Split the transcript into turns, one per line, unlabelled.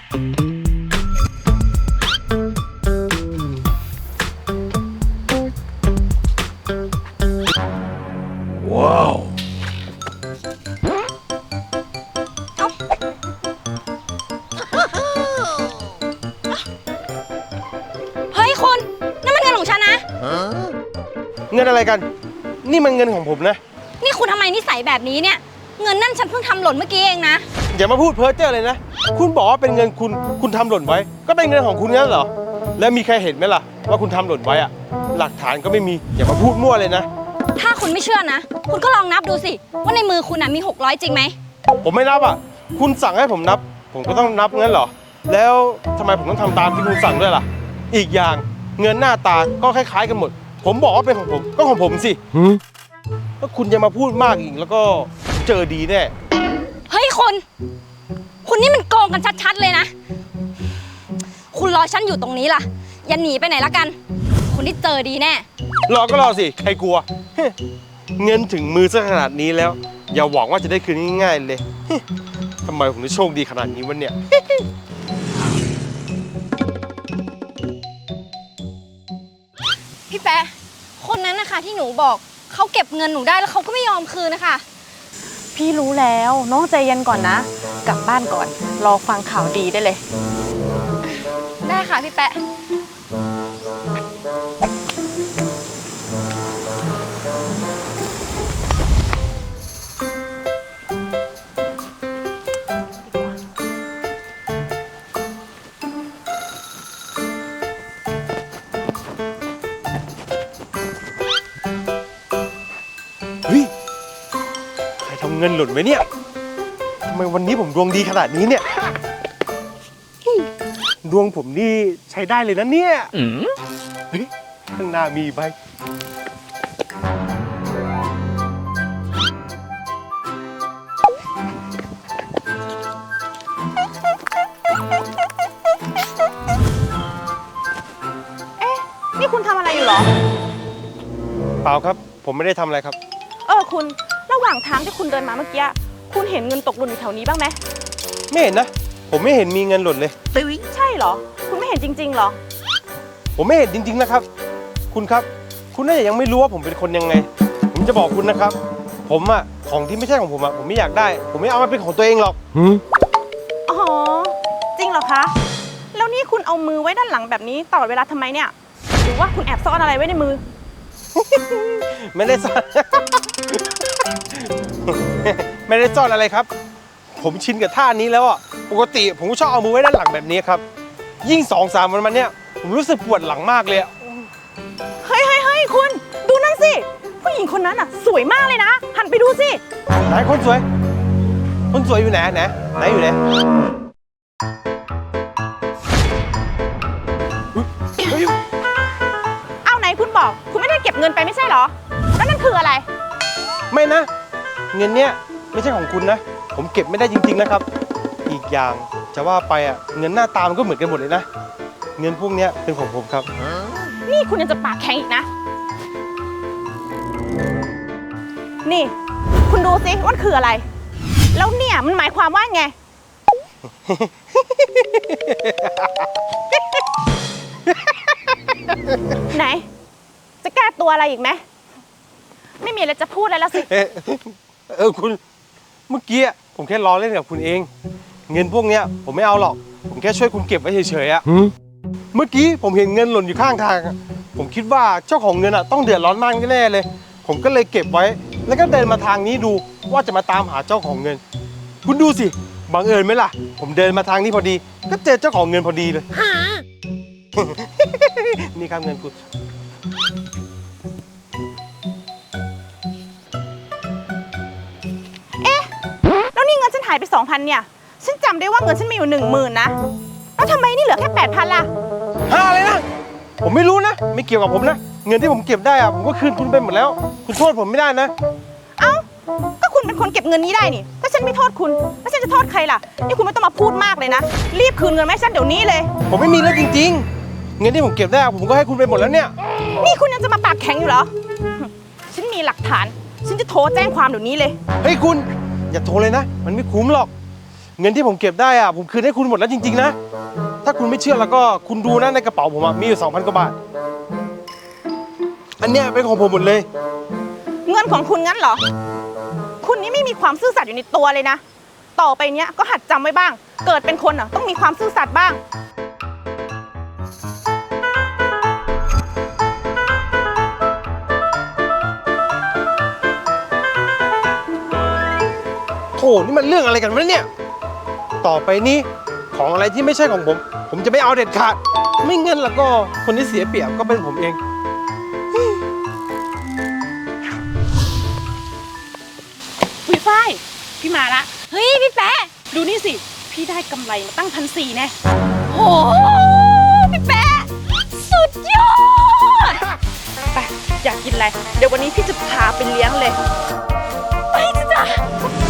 ว้าว
เฮ้ยคุณนั่นมันเงินของฉันนะ
เงินอะไรกันนี่มันเงินของผมนะ
นี่คุณทำไมนิสัยแบบนี้เนี่ยเงินนั่นฉันเพิ่งทำหล่นเมื่อกี้เองนะ
อย่ามาพูดเพ้อเจ้อเลยนะคุณบอกว่าเป็นเงินคุณทำหล่นไว้ก็เป็นเงินของคุณงั้นเหรอแล้วมีใครเห็นไหมล่ะว่าคุณทำหล่นไว้อะหลักฐานก็ไม่มีอย่ามาพูดมั่วเลยนะ
ถ้าคุณไม่เชื่อนะคุณก็ลองนับดูสิว่าในมือคุณน่ะมี600จริงไหม
ผมไม่นับอ่ะคุณสั่งให้ผมนับผมก็ต้องนับงั้นเหรอแล้วทำไมผมต้องทำตามที่คุณสั่งด้วยล่ะอีกอย่างเงินหน้าตาก็คล้ายๆกันหมดผมบอกว่าเป็นของผมก็ของผมสิถ้าคุณยังมาพูดมากอีกแล้วก็เจอดีแน่
เฮ้ยคุณนี่มันโกงกันชัดๆเลยนะคุณรอฉันอยู่ตรงนี้ล่ะอย่าหนีไปไหนละกันคุณได้เจอดีแน่
รอก็รอสิใครกลัวเงินถึงมือซะขนาดนี้แล้วอย่าหวังว่าจะได้คืนง่ายๆเลยทำไมผมถึงโชคดีขนาดนี้วะเนี่ย
พี่แป๊ะคนนั้นนะคะที่หนูบอกเขาเก็บเงินหนูได้แล้วเขาก็ไม่ยอมคืนนะคะ
พี่รู้แล้วน้องใจเย็นก่อนนะกลับบ้านก่อนรอฟังข่าวดีได้เลย
ได้ค่ะพี่แป๊ะ
เฮ้ยใครทำเงินหล่นไว้เนี่ยทำไมวันนี้ผมดวงดีขนาดนี้เนี่ยดวงผมนี่ใช้ได้เลยนะเนี่ยเฮ้ยข้างหน้ามีใบ
นี่คุณทำอะไรอยู่หรอ
เปล่าครับผมไม่ได้ทำอะไรครับ
คุณระหว่างทางที่คุณเดินมาเมื่อกี้คุณเห็นเงินตกหล่นอยู่แถวนี้บ้างไหม
ไม่เห็นนะผมไม่เห็นมีเงินหล่นเลย
ใช่เหรอคุณไม่เห็นจริงๆเหรอ
ผมไม่เห็นจริงๆนะครับคุณครับคุณน่าจะยังไม่รู้ว่าผมเป็นคนยังไงผมจะบอกคุณนะครับผมอะของที่ไม่ใช่ของผมอะผมไม่อยากได้ผมไม่เอามาเป็นของตัวเองหรอก
อ๋อจริงเหรอคะแล้วนี่คุณเอามือไว้ด้านหลังแบบนี้ตลอดเวลาทำไมเนี่ยหรือว่าคุณแอบซ่อนอะไรไว้ในมือ
ไม่ได้ซ่อน ไม่ได้ซ่อนอะไรครับผมชินกับท่านี้แล้วอ่ะปกติผมก็ชอบเอามือไว้ด้านหลังแบบนี้ครับยิ่ง2-3 วันมาเนี้ยผมรู้สึกปวดหลังมากเลย
เฮ้ยคุณดูนั่นสิผู้หญิงคนนั้นอ่ะสวยมากเลยนะหันไปดูสิ
ไหนคนสวยอยู่ไหนอยู่ไหน
เอาไหนคุณบอกคุณไม่ได้เก็บเงินไปไม่ใช่เหรอแล้วนั่นคืออะไร
ไม่นะเงินเนี้ยไม่ใช่ของคุณนะผมเก็บไม่ได้จริงๆนะครับอีกอย่างจะว่าไปอ่ะเงินหน้าตามันก็เหมือนกันหมดเลยนะเงินพวกเนี้ยเป็นของผมครับ
นี่คุณยังจะปากแข็งอีกนะนี่คุณดูสิว่าคืออะไรแล้วเนี่ยมันหมายความว่าไง ไหนจะแก้ตัวอะไรอีกไหมไม่มีอะไรจะพูดแล้วสิ
คุณเมื่อกี้ผมแค่ล้อเล่นกับคุณเองเงินพวกเนี้ยผมไม่เอาหรอกผมแค่ช่วยคุณเก็บไว้เฉยๆอะเมื่อกี้ผมเห็นเงินหล่นอยู่ข้างทางผมคิดว่าเจ้าของเงินอะต้องเดือดร้อนมากแน่เลยผมก็เลยเก็บไว้แล้วก็เดินมาทางนี้ดูว่าจะมาตามหาเจ้าของเงินคุณดูสิบังเอิญไหมล่ะผมเดินมาทางนี้พอดีก็เจอเจ้าของเงินพอดีเลยนี่ครับเงินคุณ
แล้วนี่เงินฉันหายไป 2,000 เนี่ยฉันจำได้ว่าเงินฉันมีอยู่ 10,000 นะแล้วทำไมนี่เหลือแค่ 8,000 ล่ะ
เลยนะผมไม่รู้นะไม่เกี่ยวกับผมนะเงินที่ผมเก็บได้อะผมก็คืนคุณไปหมดแล้วคุณโทษผมไม่ได้นะ
เอ้าก็คุณเป็นคนเก็บเงินนี้ได้นี่ถ้าฉันไม่โทษคุณแล้วฉันจะโทษใครล่ะนี่คุณไม่ต้องมาพูดมากเลยนะรีบคืนเงินมาให้ฉันเดี๋ยวนี้เลย
ผมไม่มีแล้วจริงๆเงินที่ผมเก็บได้ผมก็ให้คุณไปหมดแล้วเนี่ย
นี่คุณยังจะมาปากแข็งอยู่เหรอฉันมีหลักฐานฉันจะโทรแจ้งความเดี๋ยวนี้เลย
เฮ้ยคุณอย่าโทรเลยนะมันไม่คุ้มหรอกเงินที่ผมเก็บได้อะผมคืนให้คุณหมดแล้วจริงๆนะ ถ้าคุณไม่เชื่อแล้วก็คุณดูนะในกระเป๋าผมอะมีอยู่ 2,000 กว่าบาท อันเนี้ยเป็นของผมหมดเลย
เงินของคุณงั้นเหรอ คุณนี่ไม่มีความซื่อสัตย์อยู่ในตัวเลยนะ ต่อไปเนี้ยก็หัดจำไว้บ้าง เกิดเป็นคนอ่ะต้องมีความซื่อสัตย์บ้าง
โถนี่มันเรื่องอะไรกันวะเนี่ย ต่อไปนี้ของอะไรที่ไม่ใช่ของผม ผมจะไม่เอาเด็ดขาด ไม่งั้นแล้วก็คนที่เสียเปรียบก็เป็นผมเอง
คุยฝ้ายพี่มาละ
เฮ้ยพี่แป๊ะ
ดูนี่สิ พี่ได้กำไรมาตั้ง1,400แน่
โหพี่แป๊ะสุดยอด
ไปอยากกินอะไร เดี๋ยววันนี้พี่จะพาไปเลี้ยงเลย
ไปจ้ะ